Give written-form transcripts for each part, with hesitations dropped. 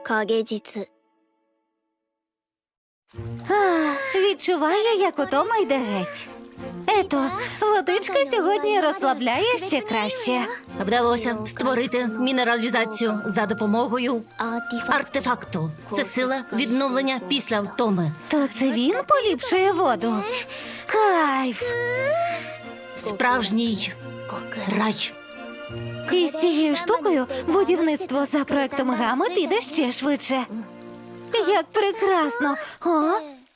影実 Відчуваю, як утома йде геть. Ето, водичка сьогодні розслабляє ще краще. Вдалося створити мінералізацію за допомогою артефакту. Це сила відновлення після втоми. То це він поліпшує воду? Кайф! Справжній рай. І з цією штукою будівництво за проектом Гами піде ще швидше. Як прекрасно! О!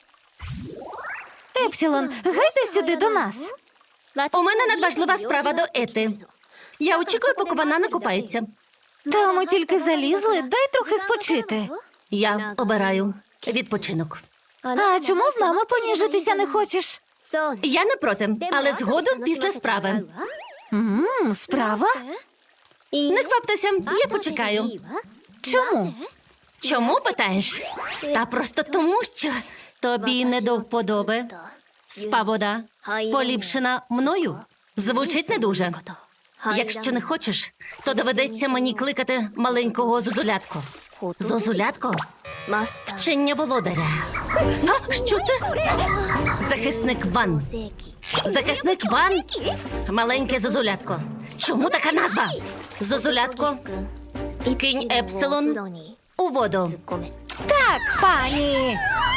Епсилон, гайде сюди до нас. У мене надважлива справа до Ети. Я очікую, поки вона накопається. Та ми тільки залізли, дай трохи спочити. Я обираю відпочинок. А чому з нами поніжитися не хочеш? Я не проти, але згодом після справи. Справа? Не кваптеся, я почекаю. Чому? Чому, питаєш? Та просто тому, що тобі не до вподоби. Спа вода, поліпшена мною, звучить не дуже. Якщо не хочеш, то доведеться мені кликати маленького зозулятку. Зозулятко? マスター Вчення володаря. А, що це? Захисник Ван. 世紀 Захисник Ван? Маленьке зозулятко. Чому така назва? Зозулятко, 君 кинь Епсилон お風呂に у воду. 突っ込め Так, пані!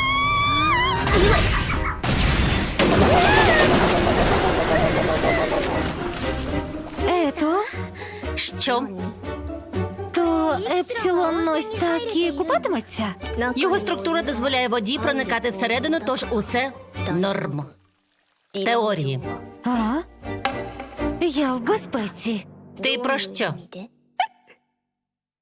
Ето, Що? то Епсилон ось так і купатиметься? Його структура дозволяє воді проникати всередину, тож усе норм. Теорії. А? Я в безпеці. Ти про що? 見て